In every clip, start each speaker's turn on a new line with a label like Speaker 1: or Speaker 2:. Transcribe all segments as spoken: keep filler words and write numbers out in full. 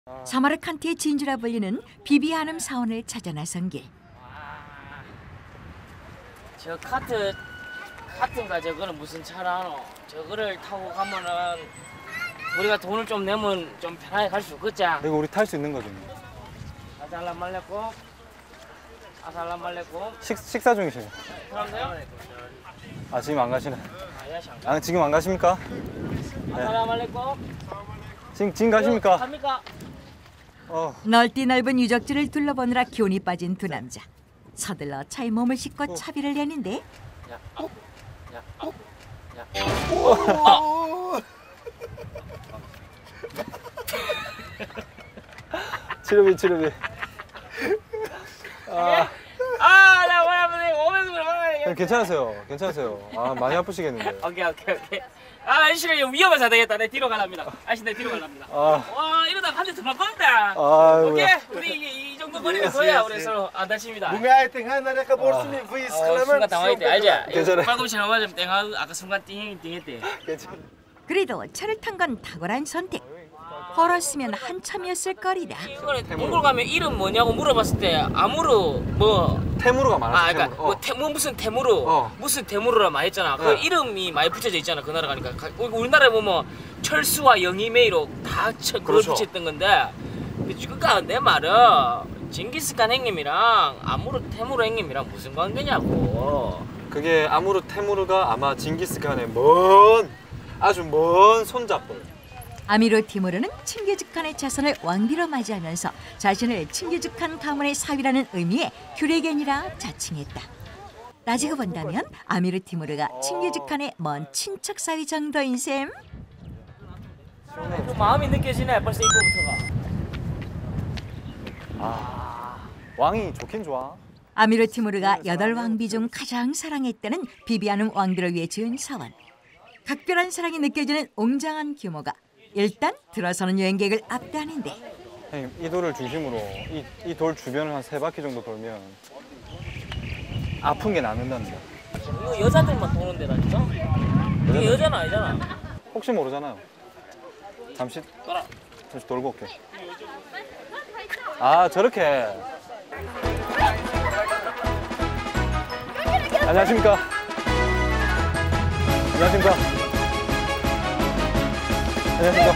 Speaker 1: 사마르칸트의 진주라 불리는 비비아눔 사원을 찾아 나선 길.
Speaker 2: 저 카트, 카트인가 저거는 무슨 차라노? 저거를 타고 가면은 우리가 돈을 좀 내면 좀 편하게 갈 수 있겠지?
Speaker 3: 이거 우리 탈 수 있는 거죠?
Speaker 2: 아살람 말레고, 아살람 말레고.
Speaker 3: 식, 식사 중이세요?
Speaker 2: 그럼요?
Speaker 3: 아, 지금 안 가시네.
Speaker 2: 아,
Speaker 3: 아, 지금 안 가십니까?
Speaker 2: 아살람 말레고.
Speaker 3: 지금, 지금 가십니까?
Speaker 2: 갑니까?
Speaker 3: 어.
Speaker 1: 넓디 넓은 유적지를 둘러보느라 기운이 빠진 두 남자. 서둘러 차에 몸을 싣고
Speaker 3: 어.
Speaker 1: 차비를 내는데
Speaker 2: 야, 어? 야, 어? 야, 어?
Speaker 3: 치료비, 치료비. 아,
Speaker 2: 아, 나 뭐야, 오면서 뭐야.
Speaker 3: 괜찮으세요? 괜찮으세요? 아, 많이 아프시겠는데.
Speaker 2: 오케이, 오케이, 오케이. 아, 아저씨가 위험해서 안 되겠다. 내 뒤로 가랍니다. 아저씨 내 뒤로 가랍니다.
Speaker 3: 아.
Speaker 2: 와, 이러다 한 대 더 맞건다.
Speaker 3: 아이고야.
Speaker 2: 오케이, 우리 이, 이 정도 거리는 거야. 우리 서로 안 다칩니다. 순간 당황했대, 알지?
Speaker 3: 괜찮아요.
Speaker 2: 팔꿈치를 맞으면 땡하 아까 순간 띵 띵했대.
Speaker 3: 괜찮아.
Speaker 1: 그래도 차를 탄 건 탁월한 선택. 걸었으면 한참이었을 거리다.
Speaker 2: 이거는 몽골 가면 이름 뭐냐고 물어봤을 때 아무로 뭐
Speaker 3: 태무르가 많아서.
Speaker 2: 아, 그러니까
Speaker 3: 태무르.
Speaker 2: 뭐,
Speaker 3: 어.
Speaker 2: 태, 뭐 무슨 태무르,
Speaker 3: 어.
Speaker 2: 무슨 태무르라 많이 했잖아. 그
Speaker 3: 네.
Speaker 2: 이름이 많이 붙여져 있잖아. 그 나라 가니까. 가- 우리나라에 보면 철수와 영희메이로 다 처, 그걸
Speaker 3: 그렇죠.
Speaker 2: 붙였던 건데. 그러니까 내 말은 징기스칸 형님이랑 아무르 태무르 형님이랑 무슨 관계냐고.
Speaker 3: 그게 아무르 태무르가 아마 징기스칸의 먼, 아주 먼 손잡고.
Speaker 1: 아미르 티무르는 칭기즈칸의 자손을 왕비로 맞이하면서 자신을 칭기즈칸 가문의 사위라는 의미의 규레겐이라 자칭했다. 따지고 본다면 아미르 티무르가 칭기즈칸의 먼 친척 사위 정도인 셈.
Speaker 2: 좀 마음이 느껴지네. 벌써 이거부터가.
Speaker 3: 아, 왕이 좋긴 좋아.
Speaker 1: 아미르 티무르가 여덟 왕비 중 가장 사랑했다는 비비아눔 왕비를 위해 지은 사원. 각별한 사랑이 느껴지는 웅장한 규모가 일단 들어서는 여행객을 압도하는데
Speaker 3: 형님, 이 돌을 중심으로 이, 이 돌 주변을 한 세 바퀴 정도 돌면 아픈 게 낫는답니다.
Speaker 2: 이거 여자들만 도는 데라니까? 이게 여자는 아니잖아.
Speaker 3: 혹시 모르잖아요. 잠시
Speaker 2: 돌아.
Speaker 3: 잠시 돌고 올게. 아, 저렇게. 안녕하십니까? 안녕하십니까? 안녕하십니까?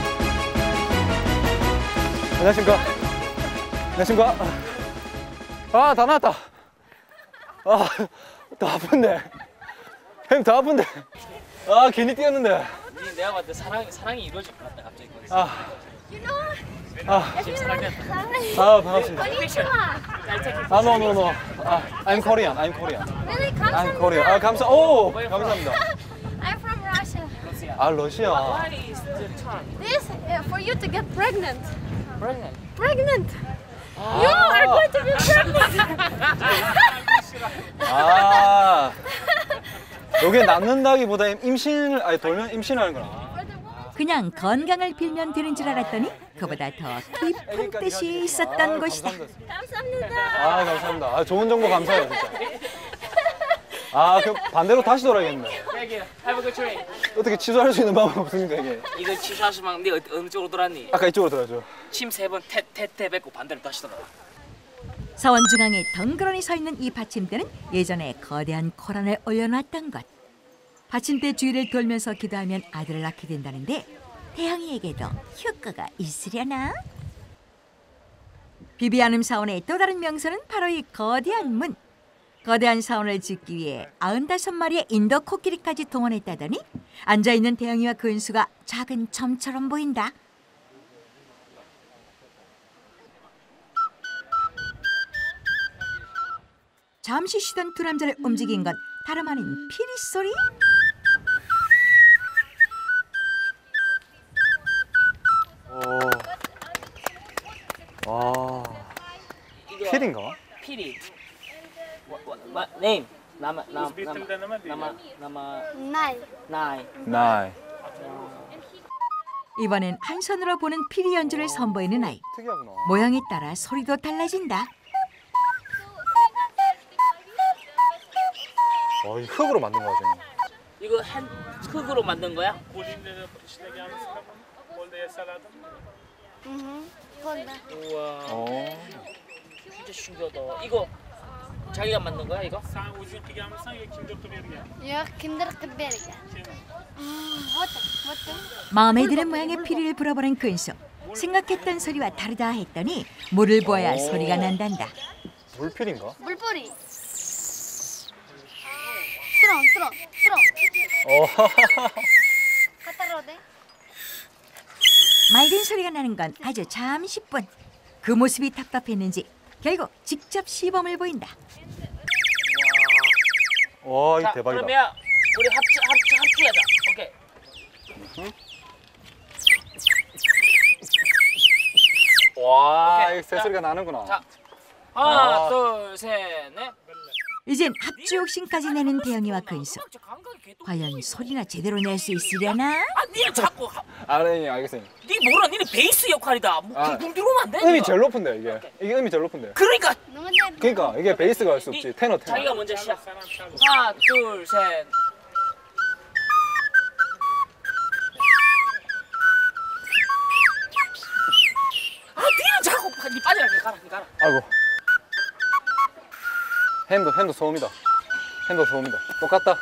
Speaker 3: 안녕하십니까? 안녕하십니까? 아, 다 나왔다. 아, 더 아픈데. 형님, 더 아픈데. 아, 괜히 뛰었는데.
Speaker 2: 니 내가 봤을 때 사랑, 사랑이 이루어질 것 같다. 갑자기 거기서.
Speaker 3: 아, 아,
Speaker 2: 지금 사랑됐다.
Speaker 3: 아, 반갑습니다.
Speaker 2: 픽션.
Speaker 3: 아, no, no, no. 아, I'm Korean. I'm Korean.
Speaker 4: Really?
Speaker 3: I'm
Speaker 4: 감사합니다.
Speaker 3: Korean. 아, 감사. 오, 감사합니다.
Speaker 4: I'm from Russia.
Speaker 3: 아, 러시아.
Speaker 2: What is the term?
Speaker 4: This uh, for you to get pregnant.
Speaker 2: Pregnant.
Speaker 4: Pregnant. You are going to be pregnant.
Speaker 3: 아, 여기 낳는다기보다 임신을 아니 돌면 임신하는 거나.
Speaker 1: 그냥 건강을 빌면 되는 줄 알았더니 그보다 더 깊은 뜻이 있었던 곳이다.
Speaker 4: 감사합니다.
Speaker 3: 아, 감사합니다. 아, 좋은 정보 감사해요, 진짜. 아, 그 반대로 다시 돌아야겠네.
Speaker 2: Thank you. Have a good train.
Speaker 3: 어떻게 취소할 수 있는 방법 없습니까, 이게?
Speaker 2: 이거 취소하시면 네 어디 어느 쪽으로 돌았니?
Speaker 3: 아까 이쪽으로 돌아죠.
Speaker 2: 침 세 번 태태 뱉고 반대로 다시 돌아.
Speaker 1: 사원 중앙에 덩그러니 서 있는 이 받침대는 예전에 거대한 코란을 올려놨던 것. 받침대 주위를 돌면서 기도하면 아들을 낳게 된다는데 태영이에게도 효과가 있으려나? 비비아눔 사원의 또 다른 명소는 바로 이 거대한 문. 거대한 사원을 짓기 위해 아흔다섯 마리의 인도 코끼리까지 동원했다더니 앉아있는 태영이와 그 은수가 작은 점처럼 보인다. 잠시 쉬던 두 남자를 움직인 건 다름 아닌 피리 소리?
Speaker 3: 오. 와. 필인가?
Speaker 2: 피리. 마 네임. 나마 나마 나마 나마
Speaker 4: Nine.
Speaker 2: 나이.
Speaker 3: 나이.
Speaker 1: 이번엔 한 손으로 보는 피리 연주를 선보이는 아이.
Speaker 3: 특이하구나.
Speaker 1: 모양에 따라 소리도 달라진다.
Speaker 3: 와, 이 흙으로 만든 거야, 지금.
Speaker 2: 이거 한 흙으로 만든 거야?
Speaker 4: Mm-hmm. Honda.
Speaker 2: 우와,
Speaker 3: 어.
Speaker 2: 진짜 신기하다. 이거 자기가 만든 거야 이거?
Speaker 4: Yok, kindergeberge. Вот так, вот так.
Speaker 1: 마음에 드는 모양의 피리를 불어버린 근수. 생각했던 소리와 다르다 했더니 물을 부어야
Speaker 3: 오.
Speaker 1: 소리가 난단다.
Speaker 3: 물필인가?
Speaker 4: 물뿌리. 스롱, 스롱, 스롱.
Speaker 3: 어.
Speaker 4: 갖다 돼?
Speaker 1: 맑은 소리가 나는 건 아주 잠시뿐. 그 모습이 답답했는지 결국 직접 시범을 보인다.
Speaker 3: 와,
Speaker 2: 자,
Speaker 3: 이 대박이다.
Speaker 2: 그러면 우리 합주 합주 합주하자. 오케이.
Speaker 3: 와,
Speaker 2: 오케이.
Speaker 3: 이 새소리가 나는구나.
Speaker 2: 자, 하나,
Speaker 3: 아.
Speaker 2: 둘, 셋, 넷.
Speaker 1: 이젠 합주 욕심까지 내는 대영이와 근수.
Speaker 2: 저 감각이 개똥.
Speaker 1: 과연 소리나 제대로 낼 수 있으려나?
Speaker 2: 아, 니는 자꾸 하-
Speaker 3: 아, 네, 알겠습니다.
Speaker 2: 니 뭐라 니는 베이스 역할이다. 뭐
Speaker 3: 아.
Speaker 2: 굴굴 들어오면 안 돼.
Speaker 3: 음이
Speaker 2: 니가.
Speaker 3: 제일 높은데 이게. 이게 음이 제일 높은데.
Speaker 2: 그러니까
Speaker 4: 너무 잘.
Speaker 3: 그러니까 이게 베이스가 할 수 없지. 테너 테너.
Speaker 2: 자기가 먼저 시작. 하나, 둘, 셋. 아, 니는 자꾸 빠- 니 빠지라. 니 가라, 니 가라.
Speaker 3: 아이고. 핸도 핸도 소음이다. 핸도 소음이다. 똑같다.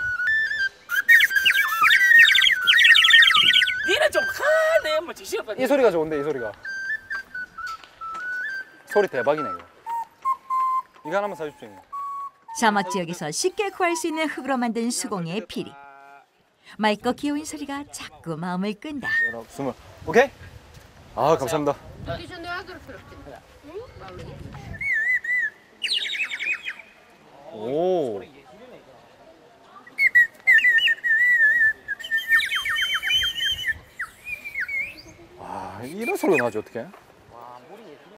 Speaker 2: 니는 좀 하네. 뭐 지시가
Speaker 3: 이 소리가 좋은데 이 소리가. 소리 대박이네 이거. 이거 하나만 사주십시오. 형님.
Speaker 1: 사막 지역에서 쉽게 구할 수 있는 흙으로 만든 수공예의 피리. 맑고 귀여운 소리가 자꾸 마음을 끈다.
Speaker 3: 열아홉, 스물. 오케이? 아, 감사합니다. 오. 아, 이런 소리가 나지 어떻게?